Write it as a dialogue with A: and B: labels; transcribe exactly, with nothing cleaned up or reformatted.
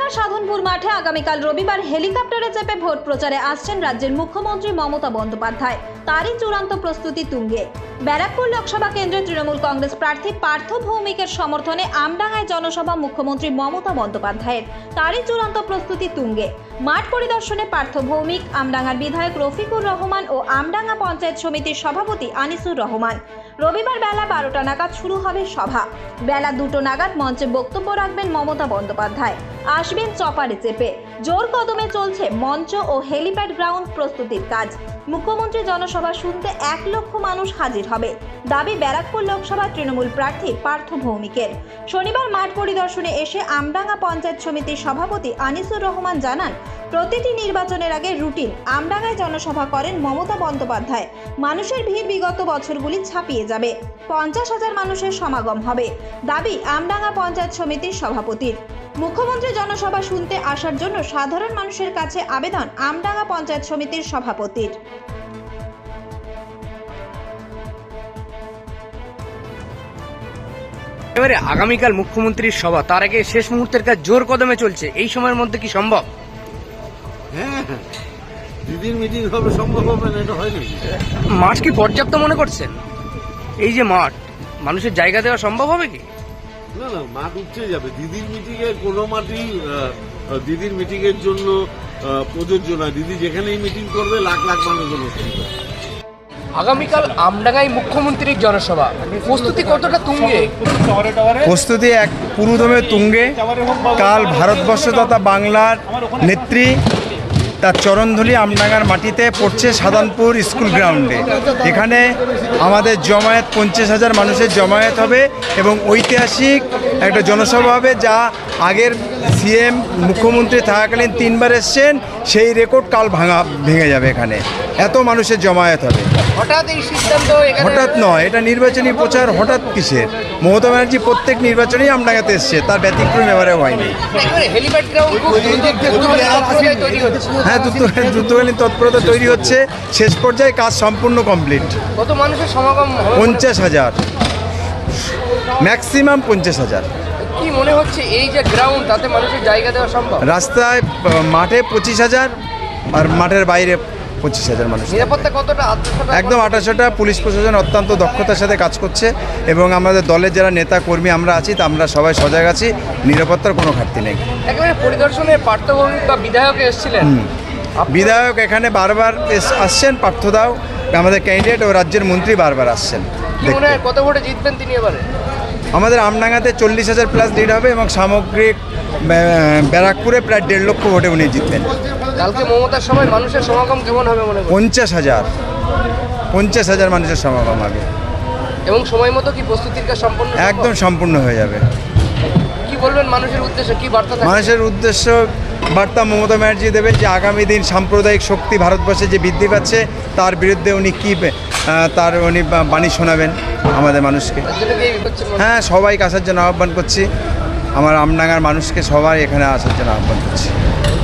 A: নদিয়ার সাধনপুর মাঠে আগামীকাল রবিবার হেলিকপ্টারে চেপে ভোট প্রচারে আসছেন রাজ্যের মুখ্যমন্ত্রী মমতা বন্দ্যোপাধ্যায়। তারই চূড়ান্ত প্রস্তুতি তুঙ্গে। ব্যারাকপুর লোকসভা কেন্দ্রে তৃণমূল কংগ্রেস প্রার্থী পার্থ ভৌমিকের সমর্থনে আমডাঙ্গায় জনসভা মুখ্যমন্ত্রী মমতা বন্দ্যোপাধ্যায়ের। তারই চূড়ান্ত প্রস্তুতি তুঙ্গে। মাঠ পরিদর্শনে পার্থ ভৌমিক, আমডাঙ্গার বিধায়ক রফিকুর রহমান ও আমডাঙ্গা পঞ্চায়েত সমিতির সভাপতি আনিসুর রহমান। রবিবার বেলা বারোটা নাগাদ শুরু হবে সভা। বেলা দুটো নাগাদ মঞ্চে বক্তব্য রাখবেন মমতা বন্দ্যোপাধ্যায়। আসবেন চপারে চেপে। জোর কদমে চলছে মঞ্চ ও হেলিপ্যাড গ্রাউন্ড প্রস্তুতির কাজ। মুখ্যমন্ত্রী জনসভা শুনতে এক লক্ষ মানুষ হাজির হবে, দাবি ব্যারাকপুর লোকসভা তৃণমূল প্রার্থী পার্থ ভৌমিকের। শনিবার মাঠ পরিদর্শনে এসে আমডাঙ্গা পঞ্চায়েত সমিতির সভাপতি আনিসুর রহমান জানান, প্রতিটি নির্বাচনের আগে রুটিন আমডাঙ্গায় জনসভা করেন মমতা বন্দ্যোপাধ্যায়। মানুষের ভিড় বিগত বছরগুলি ছাপিয়ে যাবে। পঞ্চাশ হাজার মানুষের সমাগম হবে, দাবি আমডাঙ্গা পঞ্চায়েত সমিতির সভাপতির। মুখ্যমন্ত্রী জনসভা শুনতে আসার জন্য সাধারণ মানুষের কাছে আবেদন আমডাঙ্গা পঞ্চায়েত সমিতির সভাপতির।
B: এবারে আগামীকাল মুখ্যমন্ত্রীর সভা, তার আগে শেষ মুহূর্তের কাজ জোর কদমে চলছে। এই সময়ের মধ্যে কি সম্ভব?
C: হ্যাঁ, দিদির মিটিং হবে, সম্ভব হবে না? এটা হয় নাকি?
B: মাঠ কি পর্যাপ্ত মনে করছেন? এই যে মাঠ, মানুষের জায়গা দেওয়া সম্ভব হবে কি?
C: না না, মাঠ উঠছে যাবে। দিদির মিটিং এর কোনো মাঠই দিদির মিটিং এর জন্য প্রযোজ্য না। দিদি যেখানেই মিটিং করবে লাখ লাখ মানুষজন অসুবিধা।
B: আগামীকাল আমডাঙ্গায় মুখ্যমন্ত্রীর জনসভা, প্রস্তুতি কতটা তুঙ্গে?
D: প্রস্তুতি এক পুরোদমে তুঙ্গে। কাল ভারতবর্ষ তথা বাংলার নেত্রী তার চরণধুলি আমডাঙ্গার মাটিতে পড়ছে সাধনপুর স্কুল গ্রাউন্ডে। এখানে আমাদের জমায়েত পঞ্চাশ হাজার মানুষের জমায়েত হবে এবং ঐতিহাসিক একটা জনসভা হবে, যা আগের সিএম মুখ্যমন্ত্রী থাকাকালীন তিনবার এসছেন, সেই রেকর্ড কাল ভাঙা ভেঙে যাবে। এখানে এত মানুষের জমায়েত হবে।
B: হঠাৎ এই সিদ্ধান্ত?
D: হঠাৎ নয়, এটা নির্বাচনী প্রচার। হঠাৎ কিসের? মমতা ব্যানার্জি প্রত্যেক নির্বাচনেই আমডাঙ্গাতে এসছে, তার ব্যতিক্রম এবারে হয়নি। হ্যাঁ, দ্রুতকালীন তৎপরতা তৈরি হচ্ছে। শেষ পর্যায়ে কাজ সম্পূর্ণ কমপ্লিট।
B: কত মানুষের সমাগম?
D: পঞ্চাশ হাজার, ম্যাক্সিমাম পঞ্চাশ হাজার।
B: কি মনে হচ্ছে এই যে গ্রাউন্ড, তাতে মানুষের জায়গা দেওয়া সম্ভব?
D: রাস্তায় মাঠে পঁচিশ হাজার আর মাঠের বাইরে পঁচিশ হাজার মানুষ।
B: নিরাপত্তা কতটা?
D: একদম আঠাশোটা। পুলিশ প্রশাসন অত্যন্ত দক্ষতার সাথে কাজ করছে এবং আমাদের দলের যারা নেতা কর্মী আমরা আছি, তা আমরা সবাই সজাগ আছি। নিরাপত্তার কোনো ঘাটতি নেই।
B: একেবারে পরিদর্শনে পার্থ ভৌমিক বা বিধায়ক এসেছিলেন।
D: বিধায়ক এখানে বারবার আসছেন, পার্থদাও আমাদের ক্যান্ডিডেট ও রাজ্যের মন্ত্রী বারবার আসছেন।
B: কত ভোটে জিতবেন তিনি এবারে?
D: আমাদের আমডাঙ্গাতে চল্লিশ হাজার প্লাস লিড হবে এবং সামগ্রিক ব্যারাকপুরে প্রায় দেড় লক্ষ ভোটে উনি জিতবেন।
B: কালকে মমতার সময় মানুষের সমাগম কেমন হবে মনে করেন?
D: পঞ্চাশ হাজার পঞ্চাশ হাজার মানুষের সমাগম হবে
B: এবং সময় মতো কি প্রস্তুতির কাজ সম্পূর্ণ?
D: একদম সম্পূর্ণ হয়ে যাবে।
B: কি বলবেন মানুষের উদ্দেশ্যে, কি বার্তা?
D: মানুষের উদ্দেশ্য বার্তা মমতা ব্যানার্জি দেবেন যে আগামী দিন সাম্প্রদায়িক শক্তি ভারতবর্ষে যে বৃদ্ধি পাচ্ছে, তার বিরুদ্ধে উনি কী তার উনি বাণী শোনাবেন আমাদের মানুষকে। হ্যাঁ, সবাইকে আসার জন্য আহ্বান করছি। আমার আমডাঙ্গার মানুষকে সবাই এখানে আসার জন্য আহ্বান করছি।